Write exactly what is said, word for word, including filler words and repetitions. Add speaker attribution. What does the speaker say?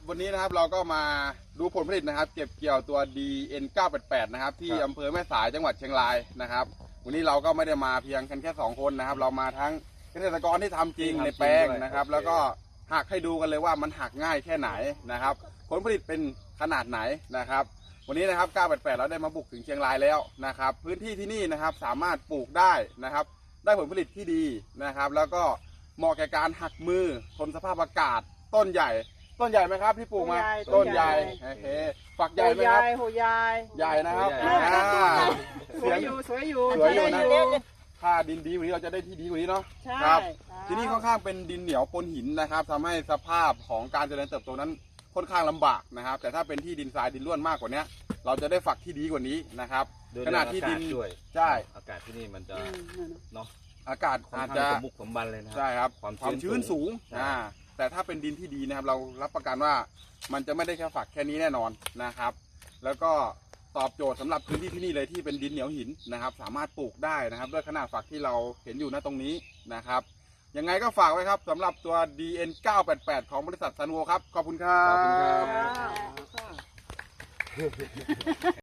Speaker 1: วันนี้นะครับเราก็มาดูผลผลิตนะครับเก็บเกี่ยวตัว ดี เอ็น เก้าแปดแปด นะครับที่อำเภอแม่สายจังหวัดเชียงรายนะครับวันนี้เราก็ไม่ได้มาเพียงกันแค่สองคนนะครับเรามาทั้งเกษตรกรที่ทำจริงในแปลงนะครับแล้วก็หักให้ดูกันเลยว่ามันหักง่ายแค่ไหนนะครับผลผลิตเป็นขนาดไหนนะครับวันนี้นะครับเก้าแปดแปดเราได้มาบุกถึงเชียงรายแล้วนะครับพื้นที่ที่นี่นะครับสามารถปลูกได้นะครับได้ผลผลิตที่ดีนะครับแล้วก็เหมาะแก่การหักมือทนสภาพอากาศต้นใหญ่ต้นใหญ่ไหมครับที่ปลูกมาต้นใหญ่โอเคฝักใหญ่ไหมครับ
Speaker 2: โหใหญ่
Speaker 1: ใหญ่นะครับ
Speaker 2: สวยอยู่สวยอยู่
Speaker 1: สวยอยู่นะ
Speaker 2: ใช่
Speaker 1: ถ้าดินดีกว่านี้เราจะได้ที่ดีกว่านี้เนาะ
Speaker 2: ใช่
Speaker 1: ครับที่นี่ค่อนข้างเป็นดินเหนียวปนหินนะครับทำให้สภาพของการเจริญเติบโตนั้นค่อนข้างลำบากนะครับแต่ถ้าเป็นที่ดินทรายดินร่วนมากกว่านี้เราจะได้ฝักที่ดีกว่านี้นะครับขนาดที่ดิน
Speaker 3: ด้วย
Speaker 1: ใช่
Speaker 3: อากาศที่นี่มันจะ
Speaker 2: อืม
Speaker 3: เนาะ
Speaker 1: อากาศ
Speaker 3: ค่อน
Speaker 1: อาจ
Speaker 3: ข้าง
Speaker 1: จะ
Speaker 3: สมบุกสมบันเลยนะ
Speaker 1: ใช่ครับ
Speaker 3: ความ
Speaker 1: ความชื้นสูง
Speaker 3: ใช่
Speaker 1: อ่าแต่ถ้าเป็นดินที่ดีนะครับเรารับประกันว่ามันจะไม่ได้แค่ฝักแค่นี้แน่นอนนะครับ แล้วก็ตอบโจทย์สำหรับพื้นที่ที่นี่เลยที่เป็นดินเหนียวหินนะครับ สามารถปลูกได้นะครับด้วยขนาดฝักที่เราเห็นอยู่ณตรงนี้นะครับยังไงก็ฝากไว้ครับสำหรับตัว ดี เอ็น เก้าแปดแปด ของบริษัทซันโวครับขอบคุณครับ
Speaker 3: ขอบคุณครับ
Speaker 2: อ่า